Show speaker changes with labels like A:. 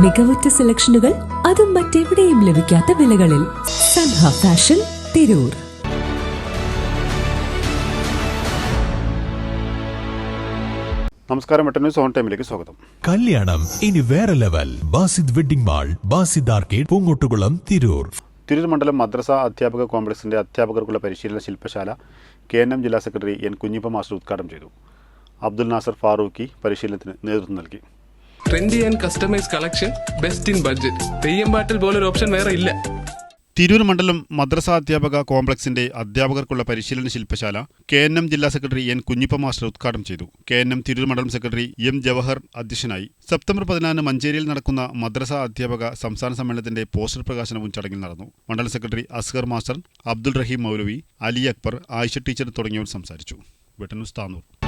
A: മികവുറ്റ സെലക്ഷനുകൾ, അതും മറ്റെവിടെയും ലഭിക്കാത്ത വിലകളിൽ. സൻഹ ഫാഷൻ, തിരൂർ.
B: നമസ്കാരം, വെട്ടന്യൂസ് ഓൺ ടൈമിലേക്ക് സ്വാഗതം.
C: കല്യാണം ഇനി വേറെ level. Basid wedding mall, Basid arcade, Poongottukulam, Tirur.
B: Tirur മണ്ഡലം മദ്രസ അധ്യാപക കോംപ്ലക്സിന്റെ അധ്യാപകർക്കുള്ള പരിശീലന ശില്പശാല KNM ജില്ലാ സെക്രട്ടറി N കുഞ്ഞിപ്പ മാസ്റ്റർ ഉദ്ഘാടനം ചെയ്തു. അബ്ദുൽ നാസർ ഫാറൂഖി പരിശീലനത്തിന് നേതൃത്വം നൽകി.
D: Trendy and customise collection, best in budget. Theyyam പാട്ടിൽ പോലൊരു ഓപ്ഷൻ വേറെ ഇല്ല.
B: തിരൂർ മണ്ഡലം മദ്രസ അധ്യാപക കോംപ്ലക്സിന്റെ അധ്യാപകർക്കുള്ള പരിശീലന ശില്പശാല KNM ജില്ലാ സെക്രട്ടറി N കുഞ്ഞിപ്പ മാസ്റ്റർ ഉദ്ഘാടനം ചെയ്തു. KNM തിരൂർ മണ്ഡലം സെക്രട്ടറി M ജവഹർ അധ്യക്ഷനായി. സെപ്റ്റംബർ 14 മഞ്ചേരിയിൽ നടക്കുന്ന മദ്രസ അധ്യാപക സംസ്ഥാന സമ്മേളനത്തിന്റെ പോസ്റ്റർ പ്രകാശനവും ചടങ്ങിൽ നടന്നു. മണ്ഡലം secretary Asgar master, Abdul Rahim Maulavi, Ali Akbar, Ayisha teacher തുടങ്ങിയവർ സംസാരിച്ചു. വെട്ടന്യൂസ് താനൂർ.